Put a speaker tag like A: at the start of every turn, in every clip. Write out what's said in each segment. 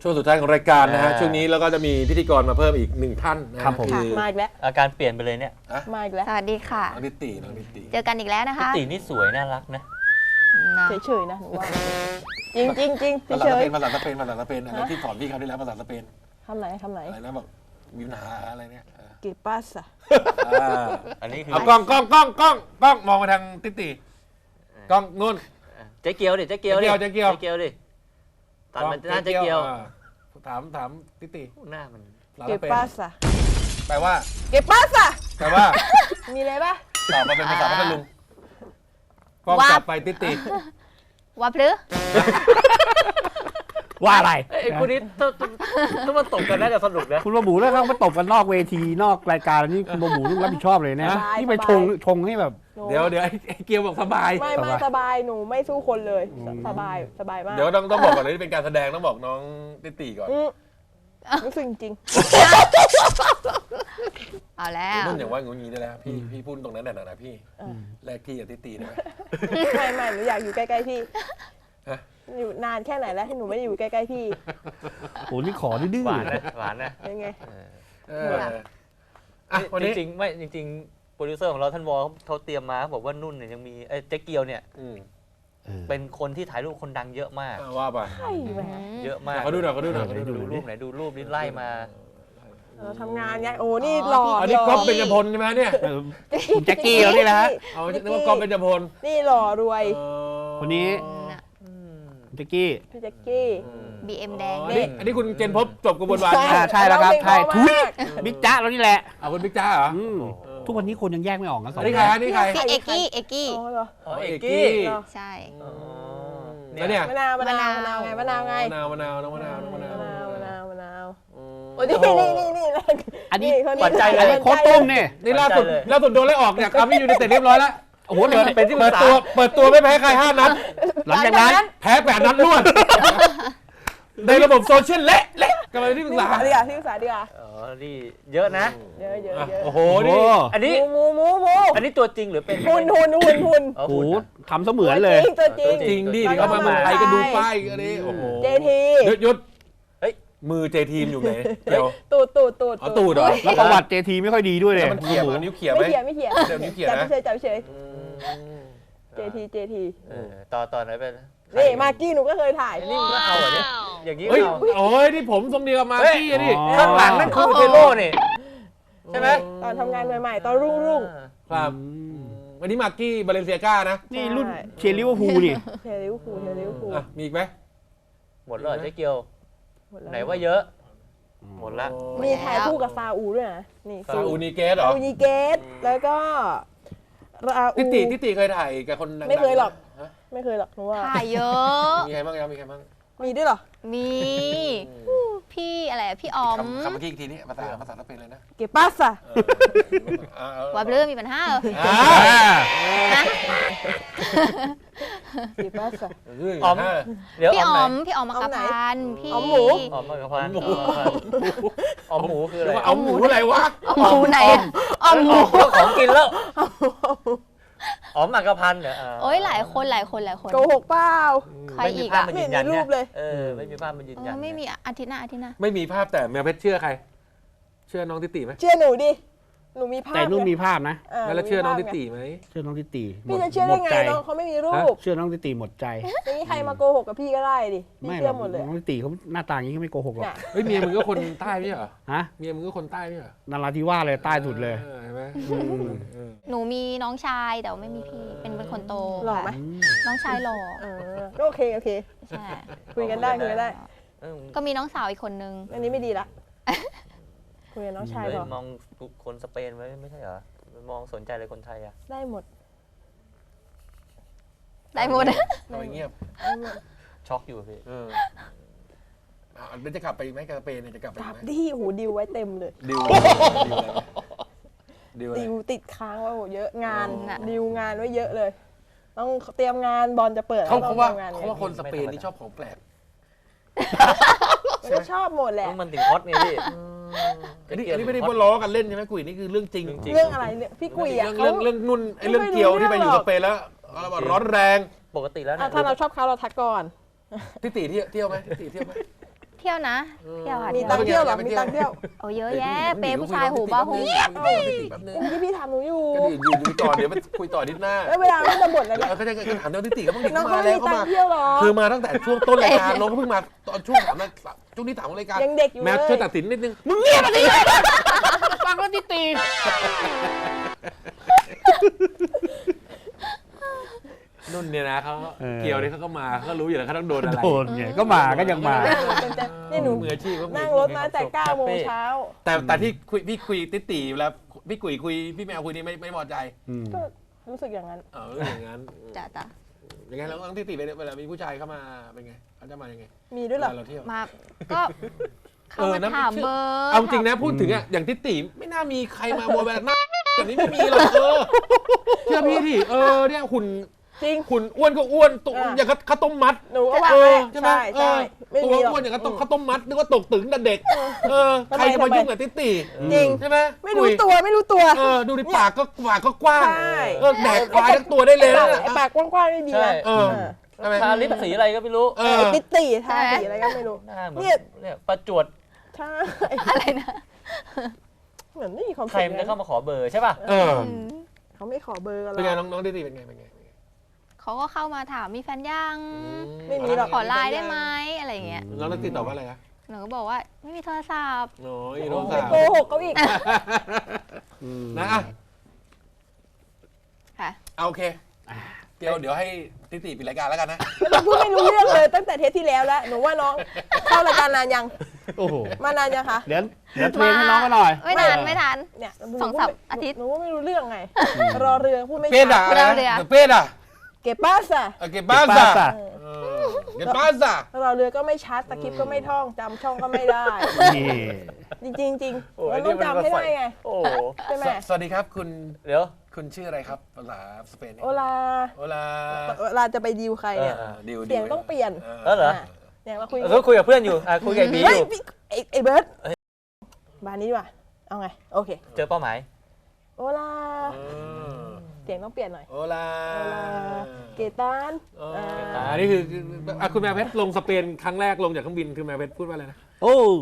A: ช่วงสุดท้ายของรายการนะฮะช่วงนี้แล้วก็จะมีพิธีกรมาเพิ่มอีก1ท่านนะครับผม
B: มาอีกแล้ว
C: อาการเปลี่ยนไปเลยเนี่ย
B: มาอีกแล้ว
D: สวัสดีค่ะ
A: น้องนิติน้องนิติ
D: เจอกันอีกแล้วนะคะ
C: ตีนี่สวยน่ารักนะ
D: นะ
B: เฉยๆนะหนูว่าจริงจริงจริง
A: ภาษา
B: เฉ
A: ส
B: ย
A: เปนภาษาสเปนภาษาสเปนอะไรที่สอนพี่เขาได้แล้วภาษาสเปน
B: ทำไหน
A: อะไรนะบอกมีปัญหาอะไรเนี่ย
B: เก็บปัสอะ
C: อันนี้คือ
A: เอากล้องมองไปทางติติกล้องนู่น
C: เจ๊เกียวดิเจ๊เกียวดิ
A: เจ๊เกียว
C: เกียวดิตัดมันหน้าเจ๊เกียว
A: ถามติติ
C: หน้ามัน
B: เก็บปัสอะ
A: แปลว่า
B: เก็บปัสอะ
A: แปลว่า
B: มีอะไรปะ
A: ตอบมาเป็นภาษาพัทลุงกล้องจับไปติติ
D: ว่าพลือ
E: ว่าอะไร
C: ไอ้คู่นี้ถ้ามันตกกันน่าจะสนุกนะ
E: คุณบะหมูแล้วเขามาตบกันนอกเวทีนอกรายการนี่คุณบะหมูต้องรับผิดชอบเลยนะนี่ไปชงให้แบบ
A: เดี๋ยวไอ้เกียวบอกสบาย
B: ไม่สบายหนูไม่สู้คนเลยสบายมาก
A: เดี๋ยวต้องบอกก่อนเลยที่เป็นการแสดงต้องบอกน้องติติก่อน
B: รู้สึกจริง
D: เอาแล้ว
A: นุ่นอย่างว่างี้ได้แล้วพี่พูดตรงนั้นแหละนะพี่แลกพี่กับติติได้ไหม
B: ไม่หนูอยากอยู่ใกล้ๆพี่
A: ฮะ
B: อยู่นานแค่ไหนแล้วที่หนูไม่ได้อยู่ใกล้ๆพี่
E: โอ้นี่ขอดื้อ
C: หวานนะหวานนะ
B: ยังไง
A: วันนี้
C: จริงๆไม่จริงๆโปรดิวเซอร์ของเราท่านวอลเขาเตรียมมาบอกว่านุ่นเนี่ยยังมีเจ๊เกียวเนี่ยเป็นคนที่ถ่ายรูปคนดังเยอะมาก
A: ว่าไป
B: ใช่ไหม
C: เยอะมาก
A: เขาดูหน่อย
C: ดูรูปไหนดูรูปนี้ไล่มา
B: ทำงานไงโอ้นี่หล่อ
A: อันนี้ก๊อฟเบญจพลใช่ไหมเนี่ย
E: คุณแจ็คกี้เขานี่นะฮะ
A: เอานึกว่าก๊อฟเบญจพล
B: นี่หล่อรวย
E: คนนี้แจ็คกี้
B: พี่แจ็คกี้
D: BM แดง
A: อันนี้คุณเจนพบจบกระบวนการ
E: ใช่แล้วครับใช่
B: เราเพลงเพราะ
E: ทุย
B: มาก
E: บิ๊กจ๊ะเรานี่แหละ
A: เอาคุณบิ๊กจ้าเหรอ
E: ทุกวันนี้คนยังแยกไม่ออกกันสอง
A: อันนี้ใครอันนี้ใคร
D: พี่เอกกี้
B: อ๋อเหรอ
C: อ๋อเอกกี้
D: ใช่
A: แล้วเนี่ย
B: มะนาวไงมะนาวไง
A: มะนาวน้องมะนาว
B: มะนาวโอ้นี่
E: อันนี้
B: คน
C: ปัจจัยเลย
E: อันนี้โค้ชตุ้มนี่
A: นี่ล่าสุดโดนไล่ออกจากอาร์มี่ยูไนเต็ดเรียบร้อยแล้ว
E: โอ้โห
C: เป็นที่ปรึกษา
A: เปิดตัวไม่แพ้ใคร5 นัด
E: หลังจากนั้น
A: แพ้8 นัดรวดในระบบโซเชียลเละกำลังที่ปรึกษา
B: ที่ปรึกษาดีกว่า
C: อ๋อนี่เยอะนะ
B: เยอะ
A: โอ้โห
E: โอ้
A: นี่
C: อันนี้
B: หมู
C: อันนี้ตัวจริงหรือเป็น
B: หุ่น
C: อ๋อ
E: โห
C: หุ่นนะ
E: ทำเสมือนเลย
B: ตัวจริง
A: จริงดิเขามาเมืองไทยก็ดูป้ายอันนี้โอ้โห
B: เจที
A: หยุดมือเจทีมอยู่ไหนเดี๋ยว
B: ตูด
A: เอาตูดเหรอ
E: แล้วประวัติเจทีไม่ค่อยดีด้วยเลย
A: แล้วมันเขี่ยมันนิ้วเขี่ยไหม
B: ไม่เขียน
A: เดี๋ยวนิ้วเขี่ยนะ
B: จับเฉยเจที
C: ต่อไหนเป็น
B: นี่มากกี้หนูก็เคยถ่าย
C: อันนี้มันก็เอาเหรอเนี่ยอย่างนี้
A: เฮ้ย
C: เอา
A: โอ้ยนี่ผมทรงเดียวกับมากี้อะนี่
C: ข้างหลังนั่นคือเทโร่นี่ใช่ไหม
B: ตอนทำงานใหม่ๆตอนรุ่ง
A: ครับวันนี้มากี้บาเลนเซียก้านะ
E: นี่รุ่นเชียร์ลิเวอร์พูลนี่
B: เทลิวคูล
A: อ่ะมีอีกไหม
C: หมดแล้วเหรอเจ๊เกียวไหนว่าเยอะหมดละ
B: มีถ่ายคู่กับซาอูด้วยนะนี่
A: ซาอูนิเกสเหรอ
B: ซาอูนิเกตแล้วก็ราอู
A: ติติเคยถ่ายกับคนดังๆ
B: ไม่เคยหรอก
A: ฮะ
B: ไม่เคยหรอกหนูว่า
D: ถ่ายเยอะ
A: มีใครบ้างครับมีใครบ้าง
B: มีด้วยเหรอ
D: มี พี่อะไรพี่อ๋อม
A: คำเมื่อกี้อีกทีนี้ภาษาสเปนเลยนะ
B: เก็บปัสอะ
D: ว่าพลือมีปัญหาเหรอ
B: เก็บปัสอะ
C: อ๋อมเดี๋ยว
D: พี่
C: อ๋
D: อ๋
C: อ
D: อ
C: ม
D: มพี่อ๋อมมักกะพันพี่
B: อ๋อมหมู
C: อ๋อมมากระพันอ๋อมหมูคืออะไร
A: เอาหมูอะไรวะ
D: อ๋อมหมูไหนอะอ๋อมหมู
C: ของกินแล้วอ๋อมมากระพันเนี่ย
D: โอ้ยหลายคน
B: โกหกเปล่า
D: ใครอีก
C: ภาพ
D: อะ
C: มันยืนยัน
B: ไม่มีรูปเลย
C: ไม่มีภาพมันยืนยัน
D: ไม่มีอาทิตย์หน้า
A: ไม่มีภาพแต่แมวเพชรเชื่อใคร เชื่อน้องติติไหม
B: เชื่อหนูดิหนูมีภาพ
E: แต่นุ่นมีภาพนะ
A: แล้วเชื่อน้องติติไหม
E: เชื่อน้องติตี
B: พี่จะเชื่อได้ไงน้องเขาไม่มีรูป
E: เชื่อน้องติตีหมดใจ
B: ไม่มีใครมาโกหกกับพี่ก็ได้ดิพี่
E: ไม่หร
B: เชื่
E: อ
B: อก หมดเลย
E: น้องติตีเขาหน้าตาอย่างนี้เขาไม่โกหกหรอก
B: น่ะ
A: เฮ้ยเมียมึงก็คนใต้ไม่ใช่เหรอ
E: ฮะ
A: เมียมึงก็คนใต้ไม่ใช่เหรอน
E: ราธิวาสเลยใต้สุดเลย
A: เห็นไหม
D: หนูมีน้องชายแต่ว่าไม่มีพี่เป็นคนโต
B: หล่อไหม
D: น้องชายหล่อ
B: ก็โอเค
D: ใช่
B: คุยกันได้
D: ก็มีน้องสาวอีกคนนึง
B: อันนี้ไม่ดีละคุยกับน้องชายก่อน
C: มองคนสเปนไว้ไม่ใช่เหรอมองสนใจเลยคนไทยอ่ะ
B: ได้หมด
D: ได้หมด
A: ทำไมเงียบ
C: ช็อกอยู่พี่
A: เดี๋ยวจะกลับไปไหมกับสเปนเนี่ยจะกลับไป
B: กลับ
A: ไหม
B: ดิหูดิวไว้เต็มเลย
A: ดิวอะไร
B: ดิวติดค้างไว้โหเยอะงาน
D: น่ะ
B: ดิวงานไว้เยอะเลย ต้องเตรียมงานบอลจะเปิด
A: เขา
B: ต้อง
A: ว่า
B: ตรียมงาน
A: เขาว่าคนสเปนนี่ชอบของแปลก
B: มันก็ชอบหมดแหละ
C: มันถึงฮอตไงพี่
A: อันนี้ไม่ได้พูดล้อกันเล่นใช่ไหมกุยนี่คือเรื่องจริง
B: เรื่องอะไรเนี่ยพี่กุยอ่ะ
A: เรื่องนุ่นไอ้เรื่องเกียวที่ไปอยู่สเปนแล้วร้อนแรง
C: ปกติแล้ว
B: ถ้าเราชอบเขาเราทักก่อน
A: ติติเที่ยวไหมติติเที่ยวไหม
D: เที่ยวนะ เที่ยวค่ะ
B: มี
D: เที่ยว
B: ตังค์เที่ยวเหรอมีตังค์เที่ยว
D: โอ้เยอะแยะ เปย์ผู้ชายหูบ้าหู
B: เมื่อกี้พี่ถามหนูอยู่
A: ก็ดีอยู่ต่อเดี๋ยวไปคุยต่อนิดหน้า
B: แล้วเวลาเราจะบ่นแล้วเนี่ย
A: เขาจะถามน้องทิติก็ต้องเด็ก
B: น้อง
A: มา
B: เขา
A: แล้
B: ไม่
A: ว
B: มี
A: เขา
B: ตัง
A: มา
B: ค์เที่ยวหรอ
A: คือมาตั้งแต่ช่วงต้นรายการน้องก็เพิ่งมาตอนช่วงช่วงที่ถามของรายการ
B: ยังเด็กอยู่
A: แม
B: เล
A: ท
B: ย
A: ช่วยตัดสินนิดนึง
E: มึงเงียบมาดิฟังแล้วที่ตี
A: นุ่นเนี่ยนะเขาเกี่ยวเนี่ยเขาก็มาเขารู้อยู่แล้วเขาต้องโดนอะไร
E: โดนไงก็มาก็ยังมา
B: นี่หนู
A: มืออาชีพ
B: นั่งรถมาแต่9 โมงเช้า
A: แต่ที่พี่คุยติติแล้วพี่กุยคุยพี่แมวคุยนี่ไม่พอใจ
B: ก็รู้สึกอย่างนั้น
A: อย่างนั้น
D: จ้ะ
A: ยังไงแล้วน้องติติเวลามีผู้ชายเข้ามาเป็นไงเขาจะมายังไง
B: มีด้วยเหรอ
A: เราเที่ยว
D: มา ก็เข้ามาถามเบอร์
A: เอาจริงนะพูดถึงอ่ะอย่างติติไม่น่ามีใครมาโวยแบบหน้าแบบนี้ไม่มีหรอกเชื่อพี่ดิเนี่ยหุ่น
B: จริง
A: หุ่นอ้วนก็อ้วนตัวอย่างข้าวต้มมัด
B: หนูก็ว่า
A: ใช่ไหม
B: ใช่ไม่
A: ตัว
B: มีหรอก
A: อ้วนอย่างข้าวต้มมัดนึกว่าตกตึงแต่เด็กใครจะมายุ่งกับติติ
B: จริง
A: ใช่ไหม
B: ไม่รู้ตัวไม่รู้ตัว
A: ดูดิปากก็กว้าง
B: ใช่
A: แดกควายทั้งตัวได้เลย
B: ไอ้ปากกว้างๆนี่ดีนะ
A: ใช่ไหม
C: ทาลิปสีอะไรก็ไม่รู้
B: ไอ้ติตีทาสีอะไรก็ไม่รู้
C: หน้าเหมือน
B: เนี่ย
C: เนี่ยประจวด
B: ใช่
D: อะไรนะ
B: เหมือนไม่มีความ
C: ใครมันจะเข้ามาขอเบอร์ใช่ป่ะ
B: เขาไม่ขอเบอร์กันหร
A: เป็นไง
B: อก
A: น้องติติเป็นไง
D: เขาก็เข้ามาถามมีแฟนยัง
B: ไม่มีหรอก
D: ขอไลน์ได้ไหมอะไรอย่างเงี้ย
A: น้องติติตอบว่าอะไรคะ
D: หนูก็บอกว่าไม่มีโทรศัพท์
A: โอ้ยน้อง
B: ไป
A: สาว
B: โกหกเขาอีก
A: นะ
D: ค่ะ
A: โอเคเดี๋ยวให้ติติปิดรายการแล้วกันนะ
B: มันพูดไม่รู้เรื่องเลยตั้งแต่เทปที่แล้วแล้วหนูว่าน้องเข้ารายการนานยัง
E: โอ้โห
B: มานานยังคะ
E: เดี๋ยวเทรนให้น้องก็หน่อย
D: ไม่นาน
B: เนี่ย
D: 2-3 อาทิตย์
B: หนูว่าไม่รู้เรื่องไง รอเรือพูดไม่
A: เป็ด
B: ชั
A: อ่ะ
B: ด
A: อะไรนะเป็ดอ่ะ
B: เก็บบ้าสะ
A: เก็บบ้านซะเก็บบ้านซะ
B: รอเรือก็ไม่ชัดสคริปต์ก็ไม่ท่องจำช่องก็ไม่ได้
E: นี่
B: จริงๆมันต้องจำให้ได้ไง
C: โอ้
B: ใช่ไหม
A: สวัสดีครับคุณ
C: เดี๋ยว
A: คุณชื่ออะไรครับภาษาสเปน
B: โอลา
A: โอลา
B: เวลาจะไปดีลใครเนี่ย
A: ดิว
B: เสียงต้องเปลี่ยน
C: แล้วเหรอ
B: เนี่ยเราคุย
C: คุยกับเพื่อนอยู่คุยกับไอ้บีอ
B: เฮ้ย
C: ยู่
B: พี่ไอ้เบิร์ดบานนี้ดีกว่าเอาไงโอเค
C: เจอเป้าหมาย
B: โอลาเสียงต้องเปลี่ยนหน่อย
A: โอลา
B: โอลาเกตัน
A: อันนี้คือคุณแมวเพชรลงสเปนครั้งแรกลงจากเครื่องบินคือแมวเพชรพูดว่าอะไรนะ
E: โอ้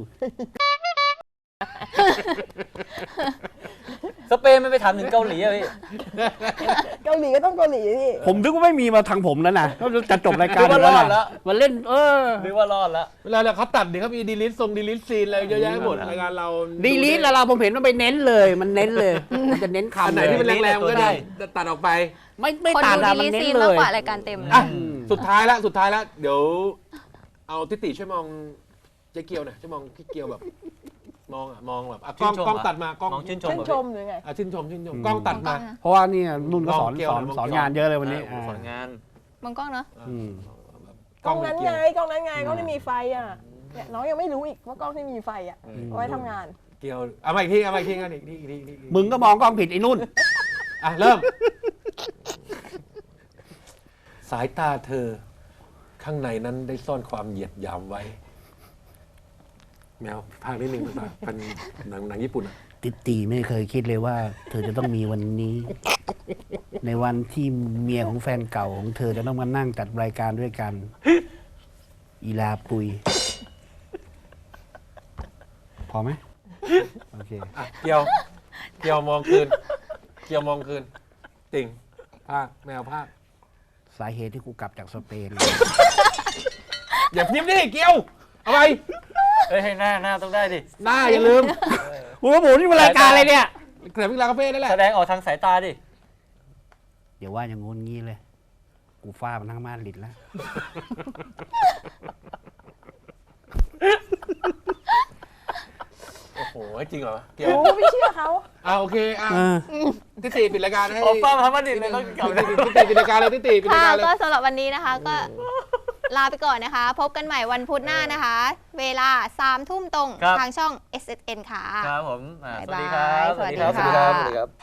C: สเปนมันไปถามถึงเกาหลีอะพี่
B: เกาหลีก็ต้องเกาหลีพี่
E: ผมนึกว่าไม่มีมาทางผมแล้วนะก็จะจบรายการ
C: นึกว่ารอด
E: แล้
C: แล้ว ว
E: มาเล่น
C: นึกว่ารอดแล้ว
A: เวลาเขาตัดเนี่ยเขามีดีลิทดีลิทซีนอะไรเยอะแยะหมดรายการเรา
E: ดีลีทแล้วเราผมเห็นมันไปเน้นเลย มันเน้นเลย มันจะเน้นคำ
A: อันไหนที่มันแรงๆก็ได้ตัดออกไป
E: ไม่
D: คน
E: ต่าง
D: ดู
E: กัน
D: ดี
E: มัน
D: ลี
E: เน้น
D: ซี
E: เล
D: มาก
E: ย
D: กว่ารายการเต็ม
A: อ่ะสุดท้ายแล้วเดี๋ยวเอาติติช่วยมองเจ๊เกียวหน่อยช่วยมองพี่เกียวแบบมองแบบกล้องตัดมากล้อง
C: มองชื่นชม
B: ชื่นชมหรือไง
A: ชื่นชมกล้องตัดมา
E: เพราะว่านี่นุ่นก็สอน
A: มองเกี่ยว
E: สอนงานเยอะเลยวันนี้
C: สอนงาน
D: มองกล้องเนาะ
B: กล้องนั้นไงกล้องนั้นไงกล้องที่มีไฟอ่ะเนี่ยน้องยังไม่รู้อีกว่ากล้องที่มีไฟอ่ะเอาไว้ทำงาน
A: เกียวเอามาอีกทีกันอีกที
E: มึงก็มองกล้องผิดไอ้นุ่น
A: เริ่มสายตาเธอข้างในนั้นได้ซ่อนความเหยียดหยามไว้แมวพากนิดนึงภาษาเป็นหนังญี่ปุ่น
E: ติตีไม่เคยคิดเลยว่า เธอจะต้องมีวันนี้ ในวันที่เมียของแฟนเก่าของเธอจะต้องมานั่งจัดรายการด้วยกัน อีลาปุย พอไหมโอเค
A: เกียวมองคืนติ่งภาคแมวภาค
E: สาเหตุที่กูกลับจากสเปน
A: อย่าพิมพ์ดิเกียวเอาไป
C: เฮ้ยหน้าต้องได้ดิ
A: หน้าอย่าลืม
E: กูก็หมุนนี่มันรายการอะไรเนี่ย
A: เกิดวิลาคาเฟ่นั่นแหละ
C: แสดงออกทางสายตาดิ
E: เดี๋ยวว่าอย่างงู้นงี้เลย กูฟาดมันทั้งม่านลิดแล้ว
A: โอ้โหจริงเหรอเกียว
B: รู้ไม่เชื่อเขา
A: โอเคติติปิดรายการให้
C: โอ้ป้ามาทำมาดิเลยต้องกลับ
A: ติติปิดรายการเลยติติปิดรา
D: ค่ะ
A: ยการเลย
D: ก็สำหรับวันนี้นะคะ ก็ลาไปก่อนนะคะ พบกันใหม่วันพุธหน้านะคะ เวลา 3 ทุ่มตรงทางช่อง SSN ค่ะ
C: ครับผม
D: บ๊าย
C: สวัส
D: บาย
C: ดีครับ
D: สวัสดีค่ะ
C: สวัสดีครับ